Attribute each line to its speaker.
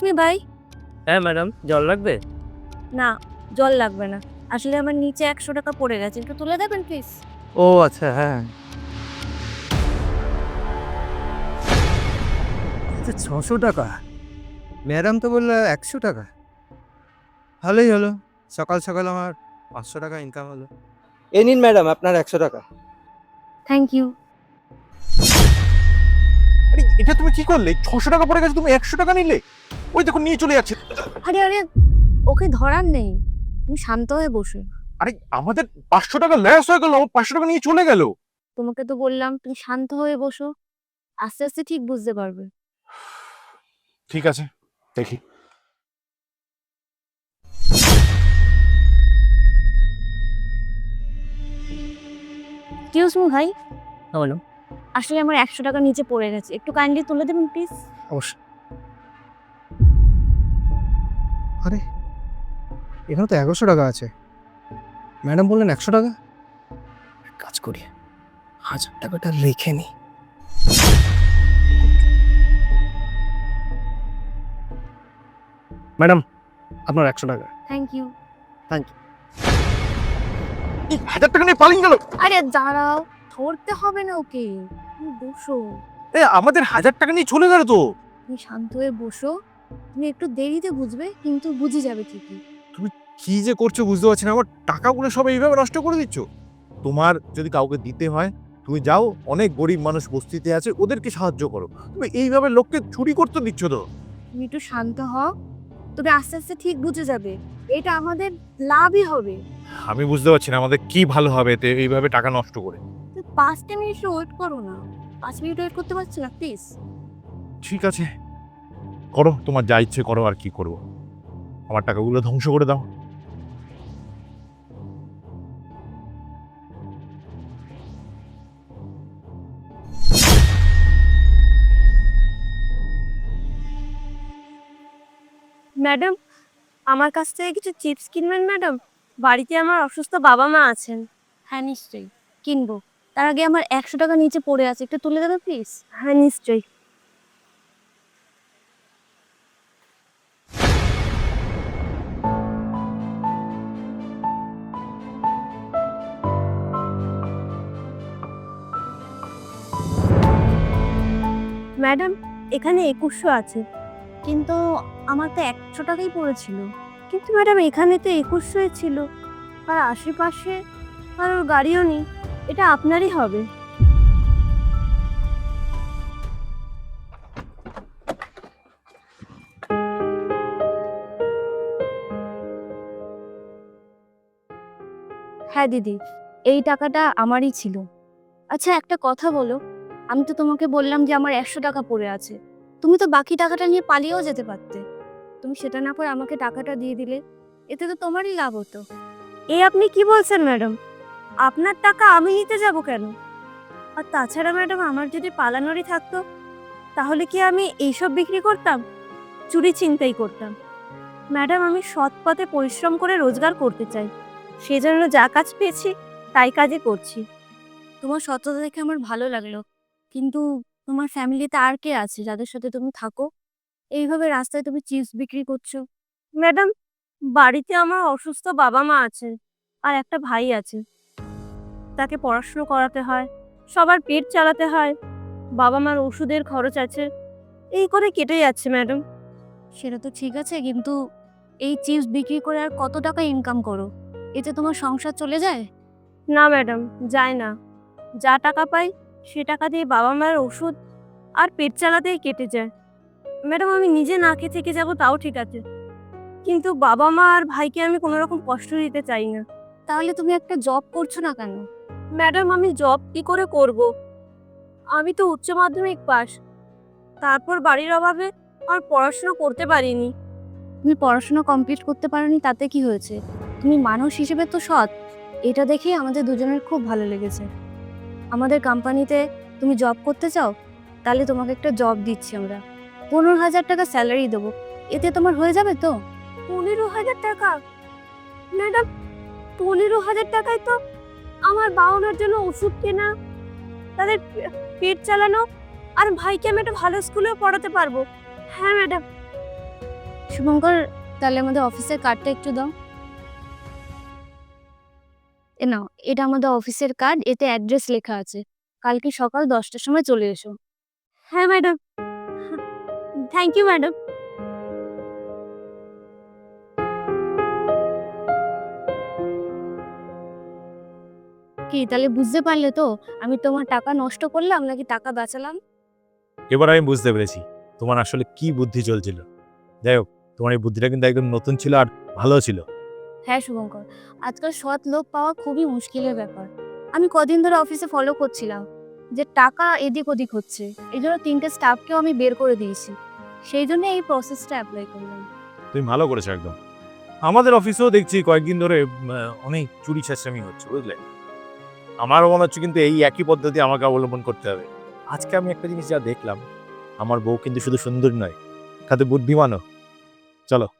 Speaker 1: Me ভাই।
Speaker 2: হ্যাঁ madam, জল লাগবে?
Speaker 1: না, জল লাগবে না। আসলে আমার নিচে 100 টাকা পড়ে গেছে, একটু তুলে দেবেন প্লিজ?
Speaker 2: ও আচ্ছা, হ্যাঁ।
Speaker 3: আচ্ছা, 600 টাকা? ম্যাডাম তো বললো 100 টাকা। ভালোই হলো, সকাল সকাল আমার 500 টাকা ইনকাম হলো।
Speaker 4: এই নিন ম্যাডাম আপনার 100 টাকা।
Speaker 1: Thank you.
Speaker 5: আরে এটা তুমি কি করলে? 600 টাকা পড়ে গেছে, তুমি 100 টাকা নিলে? ওই দেখো নিয়ে চলে যাচ্ছে।
Speaker 1: আরে আরে, ওকে ধরার নেই, তুমি শান্ত হয়ে বসো।
Speaker 5: আরে আমাদের 500 টাকা লস হয়ে গেল, 500 টাকা নিয়ে চলে গেল।
Speaker 1: তোমাকে তো বললাম তুমি শান্ত হয়ে বসো, আস্তে আস্তে ঠিক বুঝতে পারবে।
Speaker 5: ঠিক আছে, দেখি।
Speaker 1: এক্সকিউজ মি ভাই,
Speaker 2: হ্যাঁ বলো।
Speaker 1: আসলে আমার 100 টাকা নিচে পড়ে গেছে, একটু কাইন্ডলি তুলে দেবেন প্লিজ?
Speaker 3: অবশ্যই। আরে এখানে তো 1100 টাকা আছে, ম্যাডাম বললেন 100 টাকা। কাজ করি, 1000 টাকাটা রেখে নি। ম্যাডাম, আপনার 100 টাকা।
Speaker 1: Thank you.
Speaker 5: 1000 টাকা নিয়ে পালিয়ে গেল।
Speaker 1: আরে দাঁড়াও, ধরতে হবে না ওকে, তুমি বসো।
Speaker 5: আমাদের 1000 টাকা নিয়ে চলে গেল তো।
Speaker 1: তুমি শান্ত হয়ে বসো, তুমি একটু দেরিতে বুঝবে কিন্তু বুঝে যাবে ঠিকই।
Speaker 5: কি যে করছো বুঝতে পারছি না, আমার টাকাগুলো সব এইভাবে নষ্ট করে দিচ্ছ। তোমার যদি কাউকে দিতে হয় তুমি যাও, অনেক গরিব মানুষ বস্তিতে আছে, ওদেরকে সাহায্য করো। তুমি এইভাবে লোককে চুরি করতে দিচ্ছ তো।
Speaker 1: তুমি একটু শান্ত হও, তুমি আস্তে আস্তে ঠিক বুঝে যাবে, এটা আমাদের লাভই হবে।
Speaker 5: আমি বুঝতে পারছি না আমাদের কি ভালো হবে এতে এইভাবে টাকা নষ্ট করে।
Speaker 1: 5 মিনিট ওয়েট করো না, 5 মিনিট ওয়েট করতে পারছো না প্লিজ?
Speaker 5: ঠিক আছে, করো তোমার যা ইচ্ছে করো, আর কি করবো। আমার টাকাগুলো ধ্বংস করে দাও।
Speaker 1: ম্যাডাম, আমার কাছ থেকে কিছু চিপস কিনবেন ম্যাডাম? বাড়িতে আমার অসুস্থ বাবা মা আছেন। হ্যাঁ নিশ্চয়ই কিনবো, তার আগে আমার 100 টাকা নিচে পড়ে আছে, একটু তুলে দেবে প্লিজ? হ্যাঁ নিশ্চয়ই। ম্যাডাম, এখানে 2100 আছে, কিন্তু আমার তো 100 টাকাই পড়েছিল। কিন্তু ম্যাডাম এখানে তো 2100 ছিল, আর আশেপাশে কারোর গাড়িও নেই, এটা আপনারই হবে। হ্যাঁ দিদি, এই টাকাটা আমারই ছিল। আচ্ছা একটা কথা বলো, আমি তো তোমাকে বললাম যে আমার 100 টাকা পড়ে আছে, তুমি তো বাকি টাকাটা নিয়ে পালিয়েও যেতে পারতে। তুমি সেটা না করে আমাকে টাকাটা দিয়ে দিলে, এতে তো তোমারই লাভ হতো। আপনি কি বলছেন ম্যাডাম? আপনার টাকা আমি নিতে যাব কেন? আর তাছাড়া ম্যাডাম, আমার যদি পালানোরই থাকতো তাহলে কি আমি এইসব বিক্রি করতাম, চুরি ছিনতাই করতাম? ম্যাডাম, আমি সৎ পথে পরিশ্রম করে রোজগার করতে চাই, সেজন্য যা কাজ পেয়েছি তাই কাজই করছি। তোমার সততা দেখে আমার ভালো লাগলো, কিন্তু তোমার ফ্যামিলিতে আর কে আছে যাদের সাথে তুমি থাকো? এইভাবে রাস্তায় তুমি চিপস বিক্রি করছো? ম্যাডাম, বাড়িতে আমার অসুস্থ বাবা মা আছে, আর একটা ভাই আছে, তাকে পড়াশুনো করাতে হয়, সবার পেট চালাতে হয়, বাবা মার ওষুধের খরচ আছে, এই করে কেটে যাচ্ছে ম্যাডাম। সেটা তো ঠিক আছে, কিন্তু এই চিপস বিক্রি করে আর কত টাকা ইনকাম করো? এতে তোমার সংসার চলে যায়? না ম্যাডাম, যায় না। যা টাকা পাই সে টাকা দিয়ে বাবা মায়ের ওষুধ আর পেট চালাতেই কেটে যায়। ম্যাডাম, আমি নিজে না খেয়ে থেকে যাবো তাও ঠিক আছে, কিন্তু বাবা মা আর ভাইকে আমি কোনো রকম কষ্ট দিতে চাই না। তাহলে তুমি একটা জব করছো না কেন? ম্যাডাম, আমি জব কি করে করব? আমি তো উচ্চ মাধ্যমিক পাস, তারপর বাড়ির অভাবে আর পড়াশোনা করতে পারিনি। তুমি পড়াশোনা কমপ্লিট করতে পারোনি তাতে কি হয়েছে? তুমি মানুষ হিসেবে তো সৎ, এটা দেখেই আমাদের দুজনের খুব ভালো লেগেছে। আমাদের কোম্পানিতে তুমি জব করতে চাও? তাহলে তোমাকে একটা জব দিচ্ছি আমরা, 15,000 টাকা স্যালারি দেবো, এতে তোমার হয়ে যাবে তো? 15,000 টাকা? ম্যাডাম, 15,000 টাকায় তো আমার বাবা মার জন্য ওষুধ কেনা, তাদের পেট চালানো, আর ভাইকে আমি একটা ভালো স্কুলেও পড়াতে পারবো। হ্যাঁ ম্যাডাম, শুভঙ্কর, তাহলে আমাদের অফিসের কার্ডটা একটু দাও। এ নাও, এটা আমাদের অফিসের কার্ড, এতে অ্যাড্রেস লেখা আছে। কালকে সকাল 10টার সময় চলে এসো। হ্যাঁ ম্যাডাম। Thank you madam. কি তাহলে বুঝতে পারলে তো আমি তোমার টাকা নষ্ট করলাম নাকি টাকা বাঁচালাম?
Speaker 5: এবার আমি বুঝতে পেরেছি তোমার আসলে কি বুদ্ধি চলছিল। যাই হোক, তোমার এই বুদ্ধিটা কিন্তু একদম নতুন ছিল আর ভালো ছিল।
Speaker 1: হ্যাঁ শুভঙ্কর, আজকাল সৎ লোক পাওয়া খুবই মুশকিলের ব্যাপার। আমি কদিন ধরে অফিসে ফলো করছিলাম যে টাকা এদিক ওদিক হচ্ছে, এই জন্য 3টে স্টাফকেও আমি বের করে দিয়েছি। সেই জন্য এই প্রসেসটা অ্যাপ্লাই করলাম।
Speaker 5: তুমি ভালো করেছো একদম। আমাদের অফিসেও দেখছি কয়েকদিন ধরে অনেক চুরি ছেঁচড়ামি হচ্ছে, বুঝলে। আমারও মনে হচ্ছে কিন্তু এই একই পদ্ধতি আমাকে অবলম্বন করতে হবে। আজকে আমি একটা জিনিস যা দেখলাম, আমার বউ কিন্তু শুধু সুন্দর নয়, সাথে বুদ্ধিমানও। চলো।